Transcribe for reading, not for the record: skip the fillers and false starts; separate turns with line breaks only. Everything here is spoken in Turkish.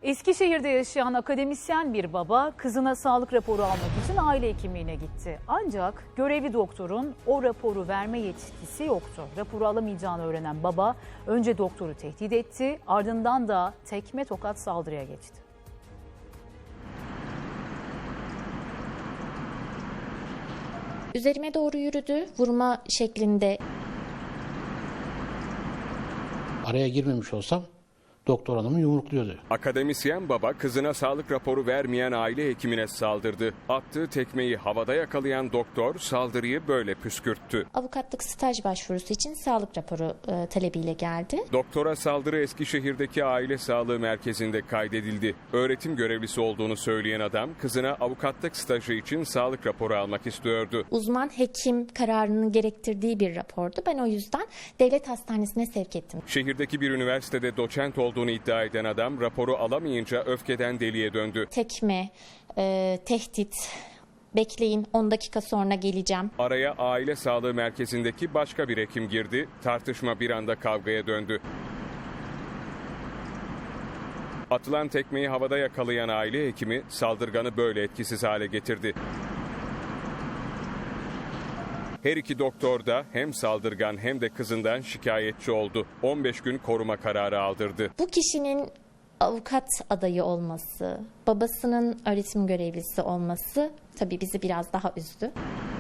Eskişehir'de yaşayan akademisyen bir baba kızına sağlık raporu almak için aile hekimliğine gitti. Ancak görevli doktorun o raporu verme yetkisi yoktu. Raporu alamayacağını öğrenen baba önce doktoru tehdit etti, ardından da tekme tokat saldırıya geçti.
Üzerime doğru yürüdü, vurma şeklinde.
Araya girmemiş olsam doktor hanımı yumrukluyordu.
Akademisyen baba kızına sağlık raporu vermeyen aile hekimine saldırdı. Attığı tekmeyi havada yakalayan doktor saldırıyı böyle püskürttü.
Avukatlık staj başvurusu için sağlık raporu talebiyle geldi.
Doktora saldırı Eskişehir'deki aile sağlığı merkezinde kaydedildi. Öğretim görevlisi olduğunu söyleyen adam kızına avukatlık stajı için sağlık raporu almak istiyordu.
Uzman hekim kararının gerektirdiği bir rapordu. Ben o yüzden devlet hastanesine sevk ettim.
Şehirdeki bir üniversitede doçent olduğunu iddia eden adam raporu alamayınca öfkeden deliye döndü.
Tekme, tehdit, bekleyin 10 dakika sonra geleceğim.
Araya aile sağlığı merkezindeki başka bir hekim girdi. Tartışma bir anda kavgaya döndü. Atılan tekmeyi havada yakalayan aile hekimi saldırganı böyle etkisiz hale getirdi. Her iki doktor da hem saldırgan hem de kızından şikayetçi oldu. 15 gün koruma kararı aldırdı.
Bu kişinin avukat adayı olması, babasının öğretim görevlisi olması tabii bizi biraz daha üzdü.